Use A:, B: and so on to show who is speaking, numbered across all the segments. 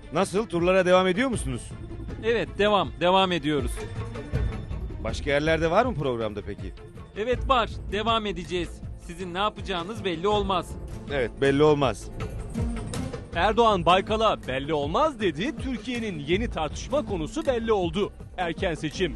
A: Nasıl? Turlara devam ediyor musunuz?
B: Evet, devam ediyoruz.
A: Başka yerlerde var mı programda peki?
B: Evet var, devam edeceğiz. Sizin ne yapacağınız belli olmaz.
A: Evet, belli olmaz.
C: Erdoğan Baykal'a belli olmaz dedi. Türkiye'nin yeni tartışma konusu belli oldu. Erken seçim.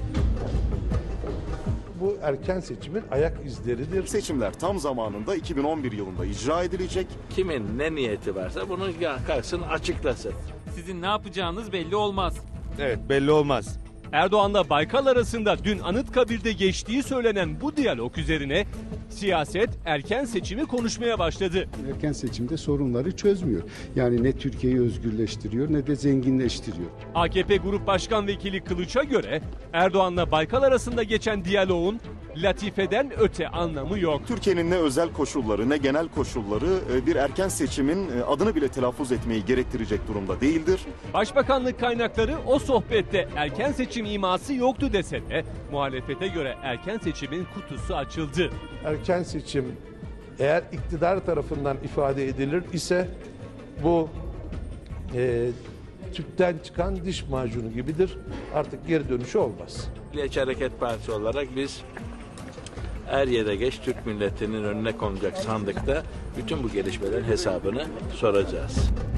D: Bu erken seçimin ayak izleridir.
E: Seçimler tam zamanında 2011 yılında icra edilecek.
F: Kimin ne niyeti varsa bunu kalksın açıklasın.
B: Sizin ne yapacağınız belli olmaz.
A: Evet, belli olmaz.
C: Erdoğan'la Baykal arasında dün Anıtkabir'de geçtiği söylenen bu diyalog üzerine siyaset erken seçimi konuşmaya başladı.
G: Erken seçimde sorunları çözmüyor. Yani ne Türkiye'yi özgürleştiriyor ne de zenginleştiriyor.
C: AKP Grup Başkan Vekili Kılıç'a göre Erdoğan'la Baykal arasında geçen diyaloğun latifeden öte anlamı yok.
E: Türkiye'nin ne özel koşulları ne genel koşulları bir erken seçimin adını bile telaffuz etmeyi gerektirecek durumda değildir.
C: Başbakanlık kaynakları o sohbette erken seçim iması yoktu dese de muhalefete göre erken seçimin kutusu açıldı.
D: Erken seçim eğer iktidar tarafından ifade edilir ise bu tüpten çıkan diş macunu gibidir. Artık geri dönüşü olmaz.
F: Milliyetçi Hareket Partisi olarak biz er ya da geç Türk milletinin önüne konacak sandıkta bütün bu gelişmelerin hesabını soracağız.